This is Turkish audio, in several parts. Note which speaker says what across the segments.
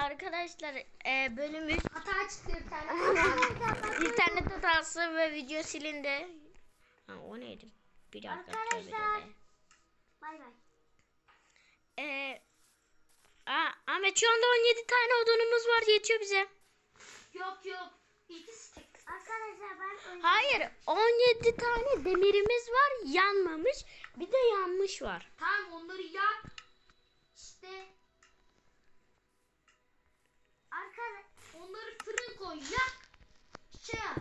Speaker 1: Arkadaşlar bölümü
Speaker 2: Hata çıktı bir tane.
Speaker 1: internet hatası ve video silindi. Ha, o neydi? Bir dakika.
Speaker 2: Arkadaşlar. Bay bay.
Speaker 1: Ahmet şu anda 17 tane odunumuz var, yetiyor bize.
Speaker 2: Yok. İkisi tek. Arkadaşlar ben
Speaker 1: Hayır, 17 tane demirimiz var, yanmamış. Bir de yanmış var.
Speaker 2: Tamam onları yak. İşte. Onları fırın koy yak. Şey yap.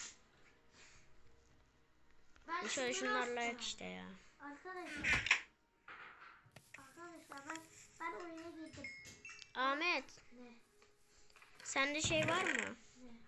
Speaker 2: Ben
Speaker 1: Şöyle
Speaker 2: şunu
Speaker 1: şunlarla
Speaker 2: yapacağım.
Speaker 1: yak işte ya.
Speaker 2: Arkadaşlar ben oyuna girdim.
Speaker 1: Ahmet,
Speaker 2: Ne?
Speaker 1: sende şey var mı?
Speaker 2: Ne?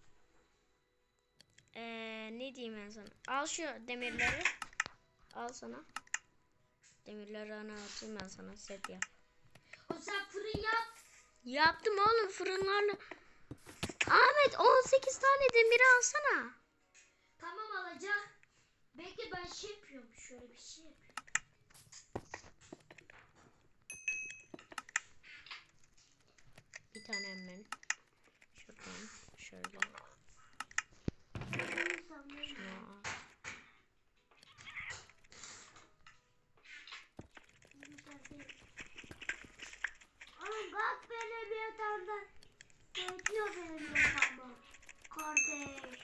Speaker 1: Ne diyeyim ben sana? Al şu demirleri. Al sana. Demirleri ana atayım ben sana, set yap.
Speaker 2: O sen fırın yap.
Speaker 1: Yaptım oğlum, fırınlarla. Ahmet 18 tane demiri alsana.
Speaker 2: Tamam alacağım. Belki ben şey yapıyorum. Şöyle bir şey yapıyorum.
Speaker 1: Bir tane hemen. Şuradan şöyle. Şunu al.
Speaker 2: Oğlum bak benim yatağımda. Bekliyor benim yatağımda. Kardeş.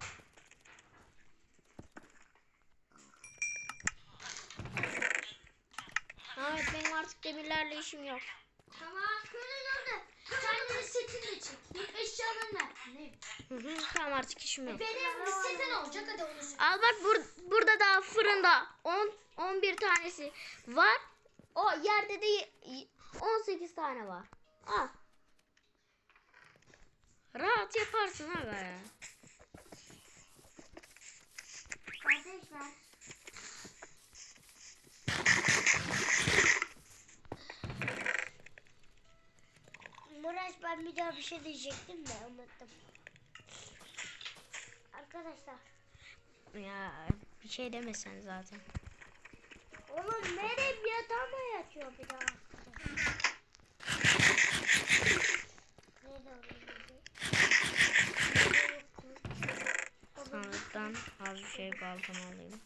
Speaker 1: Ahmet benim artık demirlerle işim yok.
Speaker 2: Tamam. Şöyle. Kendine setini de çek. Eşyalarını ver. Ne?
Speaker 1: Tamam, artık işim yok.
Speaker 2: Benim setin olacak hadi onu söyle.
Speaker 1: Al bak, burada daha fırında 11 tanesi var. O yerde de 18 tane var. Al. Rahat yaparsın ha be.
Speaker 2: Kardeşler. Murat ben bir daha bir şey diyecektim de unuttum. Arkadaşlar.
Speaker 1: Ya bir şey demesen zaten.
Speaker 2: Oğlum benim yatağıma yatıyor bir daha. Nerede
Speaker 1: Sandıktan az bir şey baltam alayım.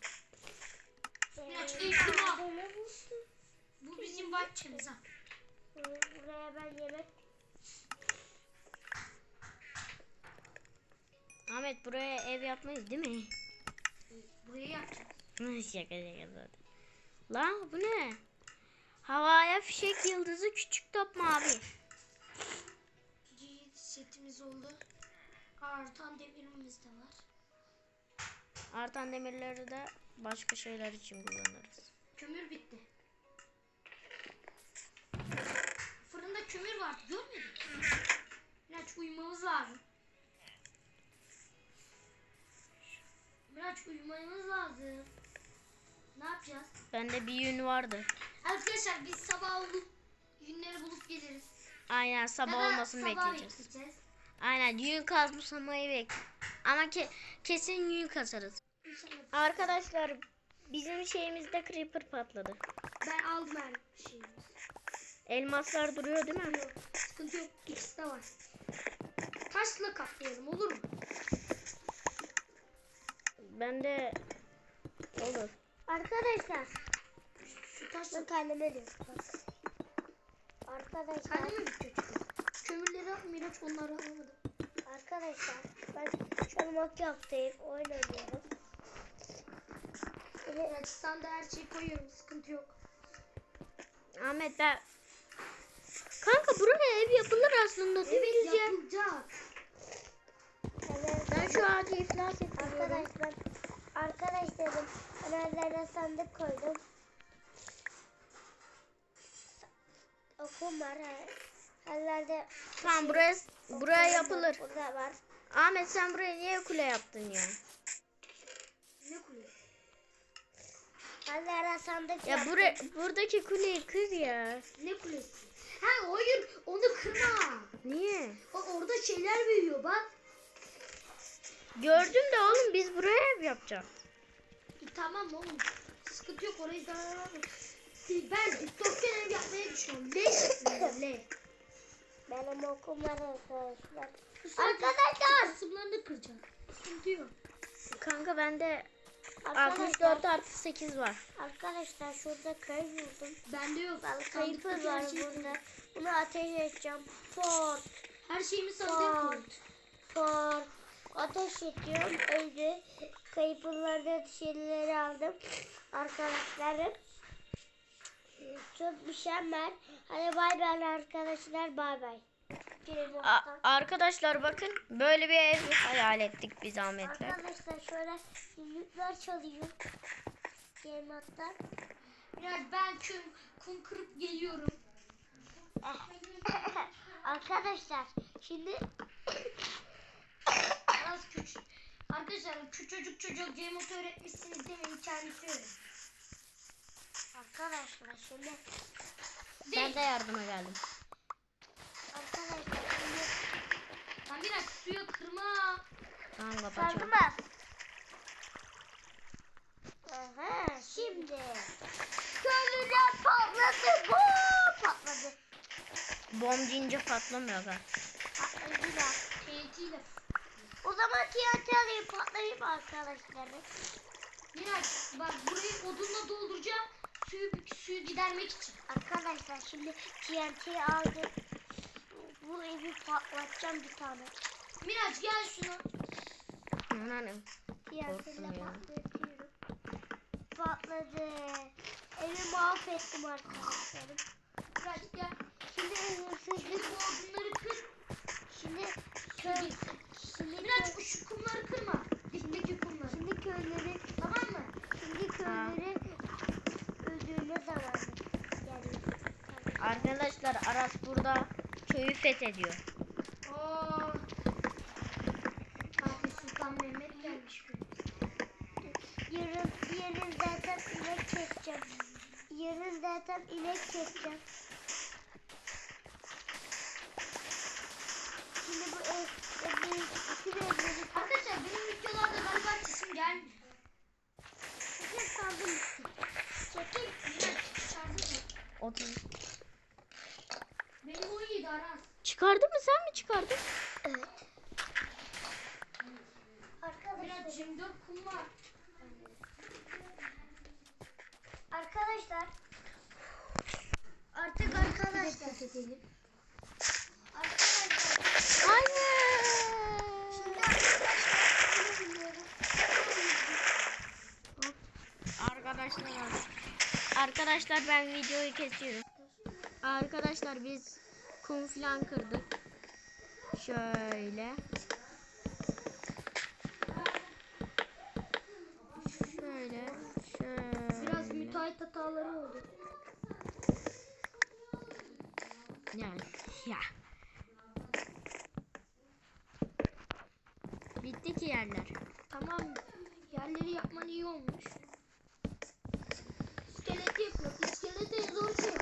Speaker 2: Bu bizim bahçemiz ha. Buraya ben yemek.
Speaker 1: Ahmet buraya ev yapmayız değil mi?
Speaker 2: Buraya yapacağız.
Speaker 1: Şaka zaten. Lan bu ne? Havaya fişek yıldızı, küçük top mavi.
Speaker 2: Setimiz oldu. Artan demirimiz de var.
Speaker 1: Artan demirleri de başka şeyler için kullanırız.
Speaker 2: Kömür bitti. Fırında kömür vardı görmedin mi? Miraç uyumamız lazım. Miraç uyumamız lazım. Ne yapacağız?
Speaker 1: Bende bir yün vardı.
Speaker 2: Arkadaşlar biz sabah olup yünleri bulup geliriz.
Speaker 1: Aynen, sabah olmasını bekleyeceğiz. Aynen, yün kazmayı ama kesin yün kasarız. Arkadaşlar bizim şeyimizde creeper patladı.
Speaker 2: Ben aldım her şeyi.
Speaker 1: Elmaslar duruyor değil mi?
Speaker 2: Yok, sıkıntı yok. İkisi de var. Taşla kaplayalım olur mu?
Speaker 1: Bende olur.
Speaker 2: Arkadaşlar. Şu taşla kendime diyor. Arkadaşlar. Kendime mi bitiyor? Kömürleri al Miraç, onları alamadım. Arkadaşlar ben şu an Minecraft'tayım. Oyun oynuyorum. Miraç sen de her şeyi koyuyorum. Sıkıntı yok.
Speaker 1: Ahmet kanka buraya ev yapılır aslında değil mi?
Speaker 2: Evet yapılacak. Evet.
Speaker 1: Ben şu ağacı iflas ettiriyorum.
Speaker 2: Arkadaşlarım önlerine sandık koydum. Okum var. Herlerde
Speaker 1: Tamam, buraya yapılır.
Speaker 2: Burada var.
Speaker 1: Ahmet sen buraya niye kule yaptın ya?
Speaker 2: Ne kule? Herlerde sandık
Speaker 1: Ya
Speaker 2: yaptım.
Speaker 1: buradaki kuleyi kır ya.
Speaker 2: Ne kulesi? Ha hayır onu kırma.
Speaker 1: Niye?
Speaker 2: Orada şeyler büyüyor bak.
Speaker 1: Gördüm de oğlum, biz buraya ev yapacağız.
Speaker 2: Tamam oğlum. Sıkıntı yok, orayı daha ben dikdörtgen ev yapmayı düşünüyorum. L şeklinde L. Benim okum var arkadaşlar.
Speaker 1: Arkadaşlar.
Speaker 2: Kısımlarını kıracağım. Sıkıntı yok.
Speaker 1: Kanka bende
Speaker 2: Arkadaşlar,
Speaker 1: 64 artı 8 var.
Speaker 2: arkadaşlar şurada köy buldum.
Speaker 1: Bende yok.
Speaker 2: Kayıpı var burada. Bunu ateş edeceğim. Fort.
Speaker 1: Her şeyimi
Speaker 2: Fort. Fort. Ateş ediyorum. Öldü. Kayıplardan şeyleri aldım. Arkadaşlarım. Çok mükemmel. Hadi bay bay arkadaşlar. Bay bay.
Speaker 1: Arkadaşlar bakın böyle bir ev hayal ettik biz Ahmet'le.
Speaker 2: Arkadaşlar şöyle yüzükler çalıyor. Yemaktan.
Speaker 1: Biraz ben kum kırıp geliyorum.
Speaker 2: Arkadaşlar şimdi
Speaker 1: Az küçük. Arkadaşlar küçücük çocuk Cemot öğretmişsiniz demeyin kendisi öğret.
Speaker 2: arkadaşlar şimdi
Speaker 1: Ben de yardıma geldim.
Speaker 2: arkadaşlar şimdi
Speaker 1: Sen biraz suyu kırma. Tamam kapatacağım.
Speaker 2: sargımaz. Aha şimdi köylüler patladı. Bu patladı.
Speaker 1: Bom deyince patlamıyor galiba.
Speaker 2: Patladılar.
Speaker 1: TNT'yle.
Speaker 2: O zaman TNT alayım patlayayım arkadaşlarım.
Speaker 1: Miraç bak burayı odunla dolduracağım. Suyu gidermek için.
Speaker 2: Arkadaşlar şimdi TNT'yi aldım. Bu evi patlatacağım bir tane.
Speaker 1: Miraç gel şuna. Anam.
Speaker 2: TNT'yle
Speaker 1: Korktum ya.
Speaker 2: patlatıyorum. Patladı. Evi mahvettim arkadaşlarım.
Speaker 1: Miraç gel.
Speaker 2: Şimdi hırsızlık.
Speaker 1: Bu odunları kır.
Speaker 2: Şimdi
Speaker 1: Suyu
Speaker 2: köy.
Speaker 1: gitsin.
Speaker 2: Şimdi
Speaker 1: Miraç şu kumları kırma. Dipteki kumları.
Speaker 2: Şimdi köyleri.
Speaker 1: Tamam mı?
Speaker 2: Şimdi köyleri öldürme zamanı. Yani.
Speaker 1: Arkadaşlar Aras burada köyü fethediyor. Fatih Sultan Mehmet gelmiş.
Speaker 2: Yarın zaten inek keseceğim. Yarın zaten inek keseceğim. Şimdi bu bütün evleri
Speaker 1: Arkadaşlar benim videolarda galiba sesim gelmiyor.
Speaker 2: çekil sandım. Çekil.
Speaker 1: Miraç çıkardın mı?
Speaker 3: 30.
Speaker 1: Benim 17 Aras.
Speaker 3: Çıkardın mı, sen mi çıkardın?
Speaker 2: Evet. Arkadaşlar.
Speaker 1: Miraç 24 kum var.
Speaker 2: Arkadaşlar. Artık arkadaşlar. Arkadaşlar.
Speaker 3: Hayır.
Speaker 2: Şimdi arkadaşlar. Bilmiyorum.
Speaker 3: Arkadaşlar ben videoyu kesiyorum. Arkadaşlar biz kum filan kırdık. Şöyle. Şöyle.
Speaker 1: Biraz müteahhit hataları oldu.
Speaker 3: Yani ya. Bitti ki yerler.
Speaker 1: Tamam. Yerleri yapman iyi olmuş. İskeleti yapıyor. İskeleti en zor şey.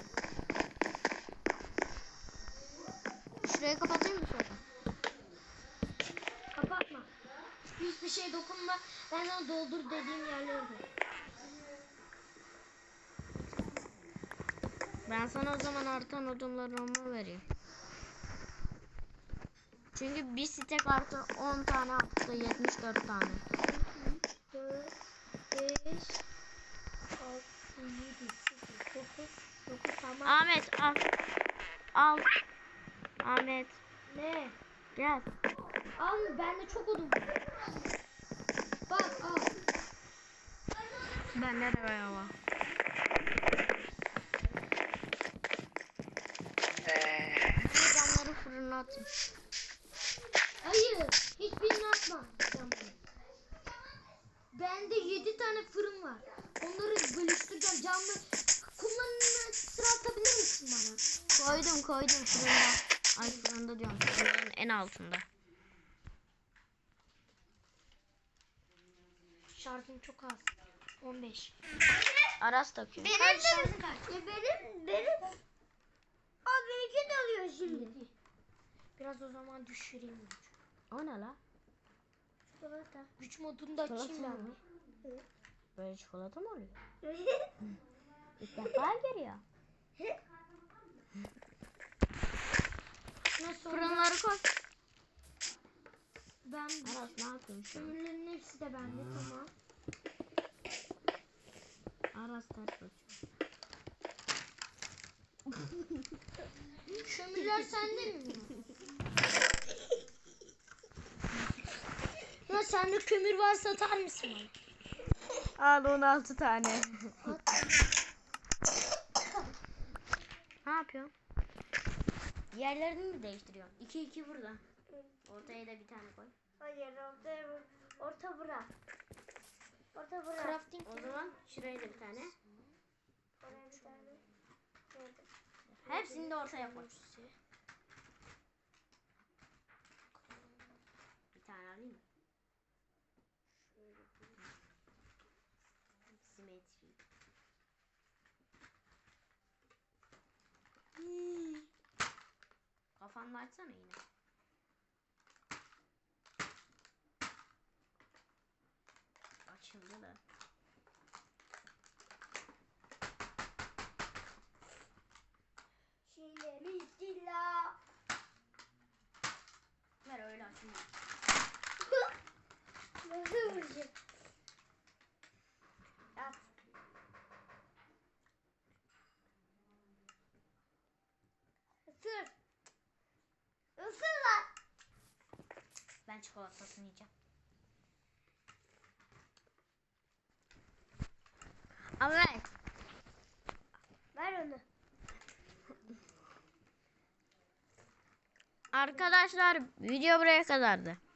Speaker 3: Şurayı kapatayım mı sonra?
Speaker 1: Kapatma. Hiçbir şey dokunma. Ben sana doldur dediğim yerleri de.
Speaker 3: Ben sana o zaman artan odunlarımı vereyim. Çünkü bir stek artı 10 tane attı, 74 tane.
Speaker 2: 4, 5, 6, 7, 8, 9, tamam.
Speaker 3: Ahmet al. Al. Ahmet
Speaker 2: Ne?
Speaker 3: gel.
Speaker 1: Al bende çok odun var. Bak al.
Speaker 3: Bende de bayağı var. Bu camları fırına atın.
Speaker 1: Hayır. Hiçbirini atma. Bende 7 tane fırın var. Onları bölüştüreceğim. Camlı kumlarını sıra atabilir misin bana?
Speaker 3: Koydum fırında. Ay fırında diyorum. Fırının en altında.
Speaker 1: Şarjım çok az. 15.
Speaker 3: Aras takıyor.
Speaker 1: Benim şarjı kaç?
Speaker 2: Benim. Aa benimki de alıyor şimdi.
Speaker 1: Biraz o zaman düşüreyim.
Speaker 3: O ne la?
Speaker 2: Çikolata.
Speaker 1: Güç modunu da açayım
Speaker 3: Çikolata
Speaker 1: ben.
Speaker 3: mı?
Speaker 1: bir.
Speaker 3: Böyle çikolata mı oluyor? İlk defa geliyor. Yukarı koy.
Speaker 2: Ben
Speaker 3: Aras ne yapıyorsun şu an?
Speaker 2: kömürlerin hepsi de bende tamam.
Speaker 3: Aras ters basıyor.
Speaker 2: Kömürler sende mi? Ya sende kömür var satar mısın bana?
Speaker 3: Al 16 tane. Ne yapıyorsun? Yerlerini mi değiştiriyorsun? 2 burada. Ortaya da bir tane koy.
Speaker 2: Hayır orta bırak. Orta bırak.
Speaker 1: Crafting.
Speaker 3: O zaman şuraya da bir tane.
Speaker 2: Oraya bir tane.
Speaker 3: Hepsini de ortaya koy. Bir tane alayım mı? Simetri. Kafanla açsana yine. Açıldı da.
Speaker 2: Şile bismillah.
Speaker 3: Ver öyle açılmıyor.
Speaker 2: Nasıl vuracağım? Yap. Isır. Isır lan.
Speaker 3: Ben çikolatasını yiyeceğim. Ama ver.
Speaker 2: Ver onu.
Speaker 3: Arkadaşlar video buraya kadardı.